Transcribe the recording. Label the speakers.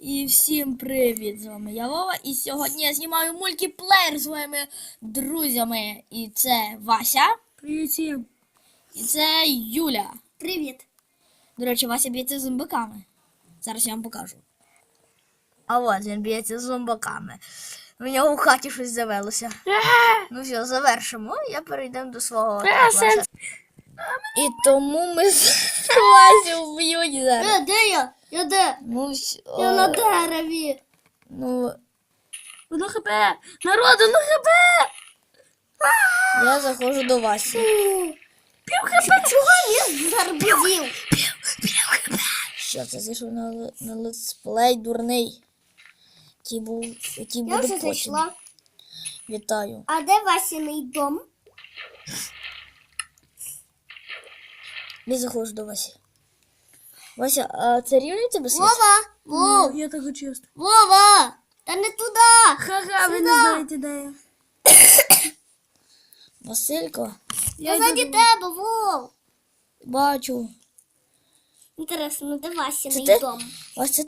Speaker 1: І всім привіт! З вами я Вова, і сьогодні я знімаю мультиплеєр з своїми друзями. І це Вася.
Speaker 2: Привіт всім.
Speaker 1: І це Юля.
Speaker 2: Привіт.
Speaker 1: До речі, Вася б'ється з зомбаками. Зараз я вам покажу. А от він б'ється з зомбаками. В нього в хаті щось завелося. Ну все, завершимо. Я перейдемо до свого класу. І тому ми з Васю вб'ють зараз.
Speaker 2: Де я? Я де?
Speaker 1: Ну,
Speaker 2: Я на дереві.
Speaker 1: ну,
Speaker 2: Воно хп. Народу, ну хп.
Speaker 1: я заходжу до Васі.
Speaker 2: Пів хп. Чого він зарбузів?
Speaker 1: Що це зайшов на летсплей дурний? Який
Speaker 2: Я
Speaker 1: буде
Speaker 2: вже
Speaker 1: потім.
Speaker 2: зайшла.
Speaker 1: Вітаю.
Speaker 2: А де Васіний дом?
Speaker 1: Не заходжу до Васі. Вася, а це рівний тебе світ?
Speaker 2: Вова!
Speaker 3: Я так чесно.
Speaker 2: Вова! Та не туди!
Speaker 3: Ха-ха, ви не
Speaker 2: Сюди.
Speaker 3: знаєте, де я.
Speaker 1: Василько,
Speaker 2: Я ззаді тебе, Вов!
Speaker 1: бачу.
Speaker 2: Інтересно, де
Speaker 1: Це
Speaker 2: Васіний
Speaker 1: ти?
Speaker 2: дом?
Speaker 1: Вася,